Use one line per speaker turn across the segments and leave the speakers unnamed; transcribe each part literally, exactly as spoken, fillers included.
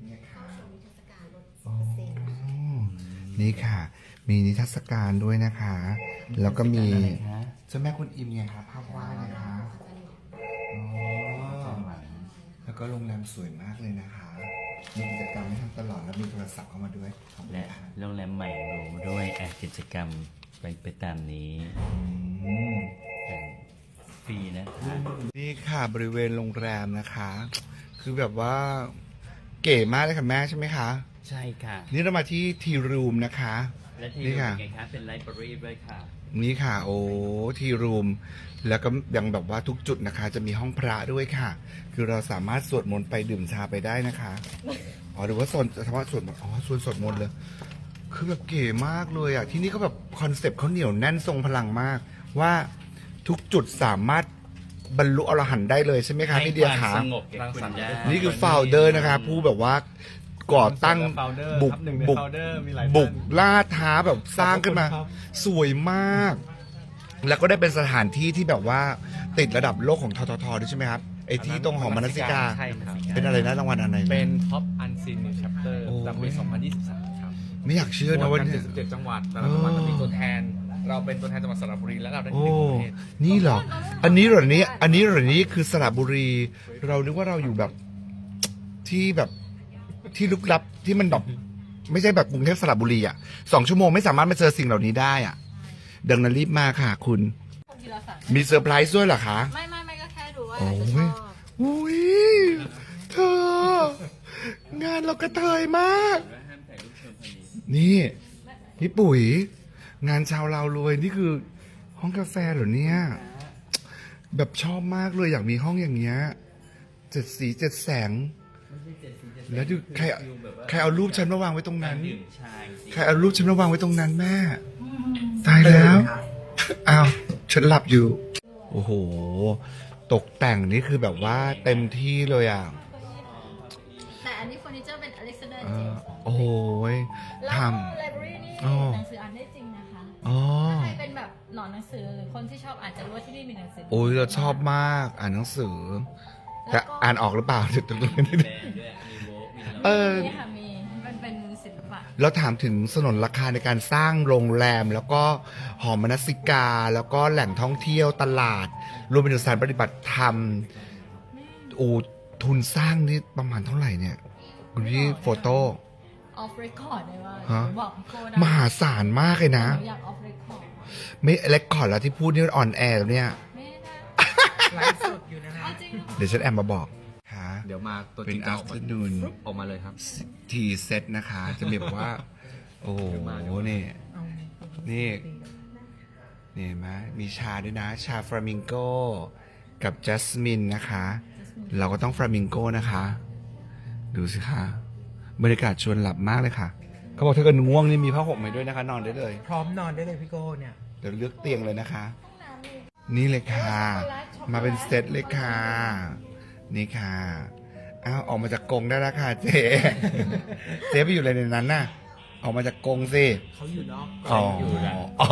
เนี่ยค่ะ
เข้าชมนิทรรศการลด
อ๋อ
เปอร์เซ็นต์
นี่ค่ะ มีนิทรรศการด้วยนะคะ แล้วก็มี
อะไรคะ
เจ้าแม่คุณอิมไงครับภาพวาดนะคะอ๋อแล้วก็โรงแรมสวยมากเลยนะคะ มีกิจกรรมให้ทำตลอดแล้วมีโทรศัพท์เข้ามาด้วยขอบคุณ
และ
ค่ะ
โรงแรมใหม่หรูด้วยอ่ะกิจกรรมไปไปตามนี้
อืม
ฟรีนะคะ
นี่ค่ะบริเวณโรงแรมนะคะ คือแบบว่าเก๋มากเลยค่ะแม่ใช่ไหมคะ
ใช่ค่ะ
นี่เรามาที่ทีรูมนะคะ
และที่
นี่
ดู
ค่ะ
เป็นไงคะเป็นไลบรารีด้วยค่ะ
นี่ค่ะ โอ้ทีรูมแล้วก็ยังแบบว่าทุกจุดนะคะ จะมีห้องพระด้วยค่ะ คือเราสามารถสวดมนต์ไปดื่มชาไปได้นะคะอ๋อหรือว่าโซนเฉพาะสวดมนต์อ๋อส่วนสวดมนต์เลย คือแบบเก๋มากเลยอ่ะที่นี่เขาแบบคอนเซปต์เขาเหนียวแน่นทรงพลังมาก ว่าทุกจุดสามารถบรรลุอรหันต์ได้เลยใช่ไหมคะพี่เดีย
ให้ควา
คะ
มสงบแก่คุณได้
นี่คือ founder นะคะ ผู้แบบว่าก่อตั้ง
founder
บุก
ครับหนึ่งใน
บุก
founder มีหลายท่าน
บุกล่าท้าแบบสร้างขึ้นมา
ขอบคุณครับ
สวยมาก แล้วก็ได้เป็นสถานที่ที่แบบว่าติดระดับโลกของทททด้วยใช่ไหมครับไอ้ที่ตรงหอมนสิกา
ใช่ครับ
เป็นอะไรนะรางวัลอะไรนะ
เป็น Top Unseen New Chapter
โอ้ย
จากปี สองพันยี่สิบสาม ครับ
ไม่อยากเชื่อนะว่า
โหวตกั
เนี่ย
เจ็ดสิบเจ็ดจังหวัดแต่ละจังหวัดจะมีตัวแทน เราเป็นตัวแทนจังหวัดสระบุรีและเราได้
โอ้
ที่หนึ่งของประเทศ
นี่เหรอ อันนี้เหรอนี้ อันนี้เหรอนี้คือสระบุรี เรานึกว่าเราอยู่แบบที่แบบที่ลึกลับที่มันแบบไม่ใช่แบบกรุงเทพสระบุรีอ่ะสองชั่วโมงไม่สามารถมาเจอสิ่งเหล่านี้ได้อ่ะ ดังนั้นรีบมาค่ะ คุณ
ทีละฝั่ง
มีเซอร์ไพรส์ด้วยเหรอคะ
ไม่ไม่ไม่ก็แค่ดูว่า
โอ้
อาจจะช
ย
อบ
อุ้ยเธอ งานเรากระเทยมาก นี่พี่ปุ๋ย งานชาวเรารวยนี่คือ ห้องกาแฟเหรอเนี่ย แบบชอบมากเลยอยากมีห้องอย่างเงี้ยเจ็ดสีเจ็ดแสง แล้วดูใครใครเอารูปฉันมาวางไว้ตรงนั้น
ดื่มชาจริง
ใครเอารูปฉันมาวางไว้ตรงนั้นแม่ ตายแล้วอ้าวฉันหลับอยู่ โอ้โห ตกแต่งนี่คือแบบว่าเต็มที่เลยอ่ะ
แต่อันนี้เฟอร์นิเจอร์เป็นอเล็กซานเดอร์
เอ
เจ
อ
มส์
โอ้โหย
แล้ว
ท
ก็ไลบรารีนี่
อ๋อ
หนังสืออ่านได้จริงนะคะ
ำอ๋อ
ถ้าใครเป็นแบบหนอนหนังสือหรือคนที่ชอบอ่านจะรู้ว่าที่นี่มีหนังสือ
โอ้ยเราชอบมากอ่านหนังสือแต่อ่านออกหรือเปล่าเดี๋ยวตรงนี้
แบรนด์ด้วยมีโวกมี
เออ
นี่ค่ะมีมันเป็นศิลปะ
เราถามถึงสนนราคาในการสร้างโรงแรม แล้วก็หอมนสิกา แล้วก็แหล่งท่องเที่ยวตลาด รวมไปถึงสถานปฏิบัติธรรมโอ้ทุนสร้างนี่ประมาณเท่าไหร่เนี่ยคุณพี่โฟโต้
ออฟเรคคอร์ดเลยว่า
ฮะ
บอกพี่โก้ได้
มหาศาลมากเลยนะ
หนูอยากออฟเรคคอร์ด
ไม่เล็กก่อนแล้วที่พูดนี่ออนแอร์แล้วเนี่ย
ไม่ได้
ไลฟ์สดอยู่นะฮะ
เอาจริงเหรอ
เดี๋ยวฉันแอบมาบอกค่ะ
เดี๋ยวมาตัวจ
เป็
ริ
น
งจะ
อั
อ
ฟ
อก
เต
มา
อร์นูน
ออกมาเลยครับ
ทีเซตนะคะ จะมีแบบว่า โอ้โหนี่ นี่ นี่เห็นไหมมีชาด้วยนะ ชาฟลามิงโกกับจัสมินนะคะ เราก็ต้องฟลามิงโกนะคะ ดูสิคะบรรยากาศชวนหลับมากเลยค่ะ เขาบอกถ้าเกิดง่วงนี่มีผ้าห่มให้ด้วยนะคะ นอนได้เลย
พร้อมนอนได้เลยพี่โก้เนี่ย
เดี๋ยวเลือกเตียงเลยนะคะ นี่เลยค่ะ มาเป็นเซตเลยค่ะ นี่ค่ะ อ้าวออกมาจากกรงได้แล้วค่ะเจ๊ เจ๊ไปอยู่อะไรในนั้นน่ะ ออกมาจากกรงสิ
เขาอยู่นอก
อ๋อ
อยู่นะ
อ๋อ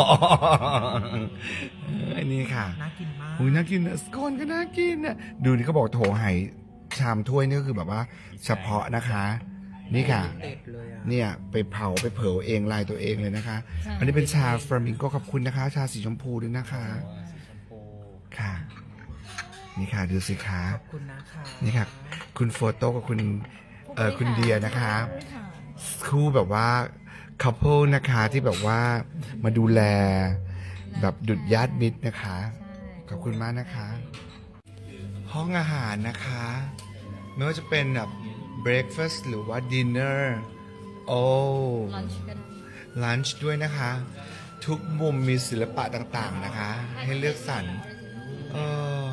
ไอ้นี่ค่ะ
น่ากินมาก
อุ้ยน่ากินนะสโคนก็น่ากินนะดูนี่เขาบอกโถไหชามถ้วยนี่ก็คือแบบว่า เฉพาะนะคะ นี่ค่ะ
เด็ดเลยอ่ะ
เนี่ยไปเผาไปเผาเองลายตัวเองเลยนะคะ อันนี้เป็นชาฟลามิงโกขอบคุณนะคะ ชาสีชมพูด้วยนะคะ ค่ะ นี่ค่ะดูสิคะ
ขอบคุณนะคะ
นี่ค่ะ คุณโฟโต้กับคุณเอ่อคุณเดียนะคะคู่แบบว่า couple นะคะที่แบบว่ามาดูแลแบบดุจญาติมิตรนะคะ ขอบคุณมากนะคะ ห้องอาหารนะคะ ไม่ว่าจะเป็นแบบ breakfast หรือว่า dinner โอ้
ลันช์กัน
lunch ด้วยนะคะ ทุกมุมมีศิลปะต่างๆนะคะ ให้เลือกสรรเออ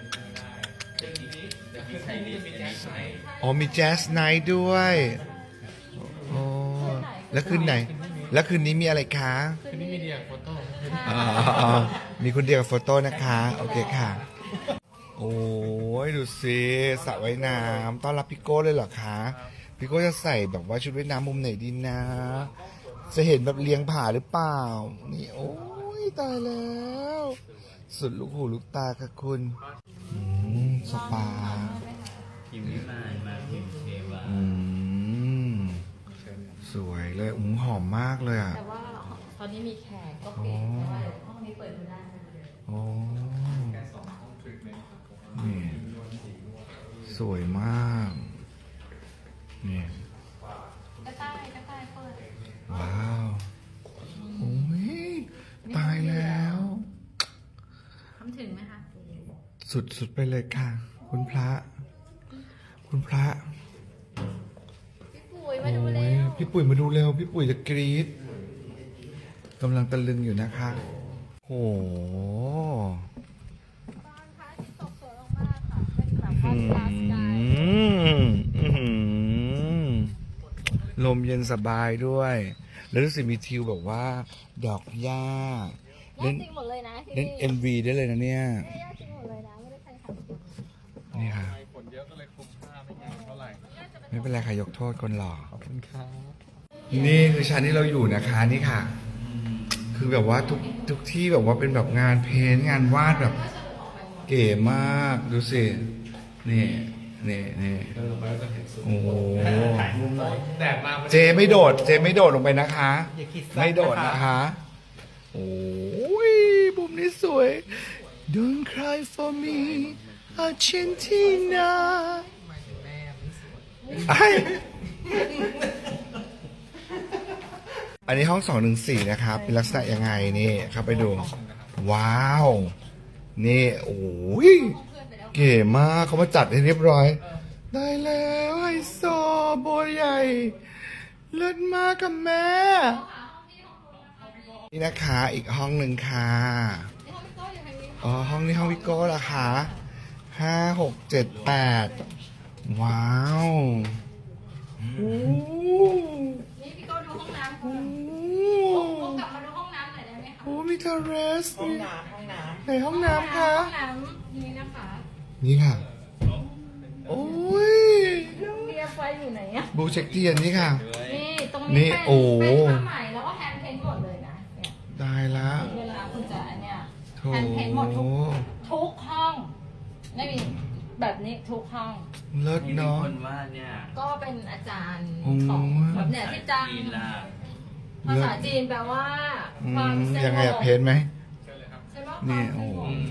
อ๋อมีแจ๊สไนท์ด้วยโอ้แล้วคืนไหน แล้วคืนนี้มีอะไรคะ
คืนนี้มีเดียโฟโต้
อ๋ออ๋อมีคุณเดียวกับโฟโต้นะคะ โอเคค่ะ โอ้ยดูสิสระว่ายน้ำต้อนรับพี่โก้เลยเหรอคะ พี่โก้จะใส่แบบว่าชุดว่ายน้ำมุมไหนดีนะ จะเห็นแบบเลียงผาหรือเปล่า นี่โอ้ยตายแล้ว สุดลูกหูลูกตาค่ะคุณอืมสปา
พิมพ์วิมานมาพิมพ์เทวา
อืมเลยอุ้มหอมมากเลยอ่ะ
แต่ว่าตอนนี้มีแขกก็เก๋แต่ว่าเดี๋ยวห้องนี้เปิดดูได้นะ
โอ้นี่สวยมากนี่
กระต่ายกระต่ายเปิด
ว้าวโอ้ยตายแล้ว
ทำถึงไหมคะ
สุดสุดไปเลยค่ะ คุณพระ คุณพระ
พี่ปุ๋ยมาดู
โอ้
แล้
ยว พี่ปุ๋ยมาดูเร็ว พี่ปุ๋ยจะกรี๊ดกำลังตะลึงอยู่นะคะโอ้โห
บ้านพระอาทิตย์ตกสวยมากๆค่ะเป็นแบบคอนทราสต์กัน
อื้อหือลมเย็นสบายด้วย แล้วรู้สึกมีทิวแบบว่า ดอกหญ้า
แย่จริงหมดเลยนะที่
เล่น เอ็ม วี ได้เลยนะเนี่ย
แย่จริงหมดเลยนะไม่ได้ใครทำ
นี่ค่ะ
ฝนเยอะก็เลยคุมผ้าไม่งามเท่าไหร่
ไม่เป็นไรค่ะยกโทษคนหล่อ
ขอบคุณครับ
นี่คือชั้นที่เราอยู่นะคะนี่ค่ะ คือแบบว่าทุกทุกที่แบบว่าเป็นแบบงานเพ้นท์งานวาดแบบ เก๋มากดูสิ นี่นี่นี่โอ้โห
แดดมา
เจไม่โดด เจไม่โดดลงไปนะคะ ไม่โดดนะคะ โอ้ยบุมนี้สวย Don't cry for me Argentina ไออันนี้ห้องสองหนึ่งสี่นะครับ เป็นลักษณะยังไงนี่เข้าไปดู ว้าว นี่ โอ้ยเก๋มากเขามาจัดให้เรียบร้อย ได้แล้วไฮโซโบใหญ่ เลิศมากกับแม่ นี่นะคะอีกห้องหนึ่งค่ะอ๋อห้องนี้ห้องวิโก้ละคะห้าหกเจ็ดแปดว้าวโอ้
นี่พี่โก้ดูห้องน้ำ
โห
โก้กลับมาดูห้องน้ำหน่อยได้ไหมคะ
โอ้มีเทอร์เรสห้องน้ำห้องน้ำไหนห้องน้ำคะ
ห้องน้ำนี้นะคะ
นี่ค่ะ โอ้ย
เรียกไฟอยู่ไหนอะ
บูเช็คเทียนนี่ค่ะ
นี่ตรง
นี่
นี้เป็น
โอ้
เป็นผ้าไหมแล้วก็แฮนด์เพนท์หมดเลยนะเนี่ย
ได้ละ
เวลาคุณจะอันเนี่ย
โถ
แฮนด์เพนท์หมดทุกทุกห้องไม่มีแบบนี้ทุกห้อง
เลิศ
นี่มี
เนาะ
คนว่าเนี่ย
ก็เป็นอาจารย์
โอ้
ของแบบเนี่ยที่จ้าง
จีนล่ะ
ภาษาจีนแปลว่า
อื
ความ
ม
สงบ
ยังไงอะเพนไหม
ใช่ปะ
นี่
ความสงบ
โอ้
อืม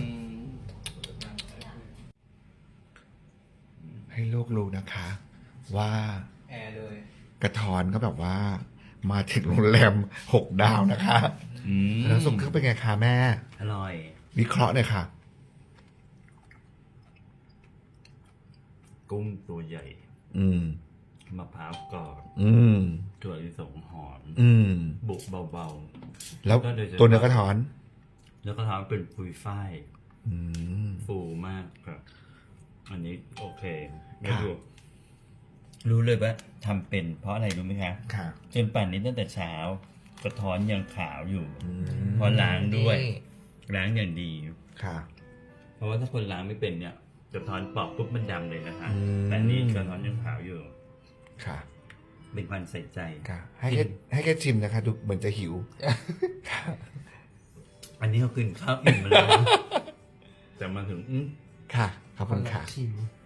ให้โลกรู้นะคะ ว่า
แอร์เลย
กระทอนก็แบบว่า มาถึงโรงแรมหกดาวนะคะ
อืม
แล้วสมคือเป็นไงคะแม่
อร่อย
วิเคราะห์หน่อยค่ะ
กุ้งตัวใหญ่
อืม
มะพร้าวกรอบ
อืม
ถั่วลิสงหอม
อืม
บุกเบา
แล้ว
ก็โดยเฉพาะ
ตัวเนื้อกระทอน
ๆ แล้วก็ทำเป็นปุยฝ้าย
อืม
ฟูมากครับ อันนี้โอเคไม่
ค่ะ
รู้รู้เลยว่าทำเป็นเพราะอะไรรู้ไหมคะ
ค่ะ
จนป่านนี้ตั้งแต่เช้า กระท้อนยังขาวอยู่
อืม
เพราะล้างด้วย ล้างอย่างดี
ค่ะ
เพราะว่าถ้าคนล้างไม่เป็นเนี่ยกระท้อนปอกปุ๊บมันดำเลยนะคะ
อืม
แต่อันนี้กระท้อนยังขาวอยู่
ค่ะ
เป็นความใส่ใจ
ค่ะ ให้แค่ให้แค่ชิมนะคะ ดูเหมือนจะหิว ค่ะ
อันนี้เขากินข้าวอิ่มมาแล้ว แต่มาถึงอื้อ
ค่ะ ขอบคุณค่ะ
ชิม